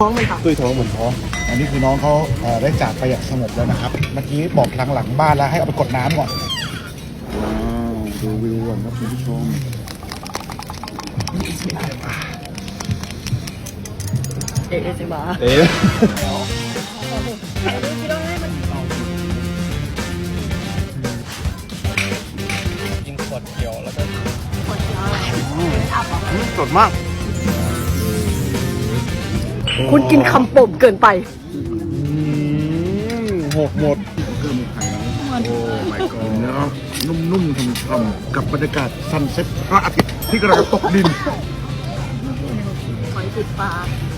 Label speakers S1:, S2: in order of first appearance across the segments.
S1: ท้องมันค่ะ
S2: ตุ้ยท้องเหมือนท้องอันนี้คือน้องเขาได้จากไปอย่างสงบแล้วนะครับ เมื่อกี้บอกหลังบ้านแล้วให้เอาไปกดน้ำก่อนว้าวดูวิวก่อนครับคุณผู้ชม
S1: เอซิบา
S2: เอ๊ะ
S3: กินขวดเขียวแล้วก็
S2: สดมาก
S1: คุณกินคำโป่งเกินไป
S2: หกหมดเพิ่มไข่โอ้ my god เนื้อนุ่มๆช่ำๆกับบรรยากาศซันเซ็ตพระอาทิตย์ที่กำลังจะตกดิน
S1: หอยติดปลา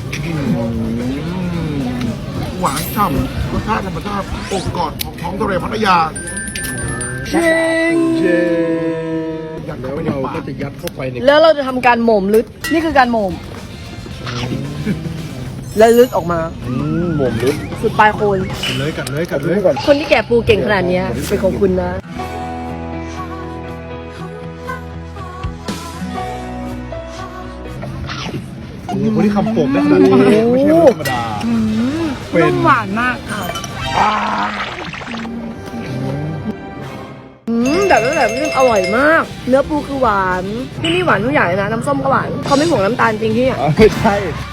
S2: หวานฉ่ำรสชาติธรรมชาติอกกอดของท้องทะเลพัทยา
S1: เชิง
S2: ยัดเข้าไปในปากก็จะยัดเข้าไปใน
S1: แล้วเราจะทำการโหม่มลึด นี่คือการโหม่มแล้วลึดออกมา
S2: หม่มลึก
S1: สุดปลายโคน
S2: กัดเลยกัดเลยก่อน
S1: คนที่แกะปูเก่งขนาดเนี้ยเป็นของคุณนะ
S2: คนที่คำโป่งได้ขนาดนี้ไม่ใช่ธรรมดา เป็น
S1: นุ่มหวานมากค่ะแบบนี้อร่อยมาก เนื้อปูคือหวาน ที่นี่หวานทุกอย่างเลยนะ น้ำส้มก็หวาน เขาไม่ห่วงน้ำตาลจริงที่อ่ะ
S2: ไม่ใช่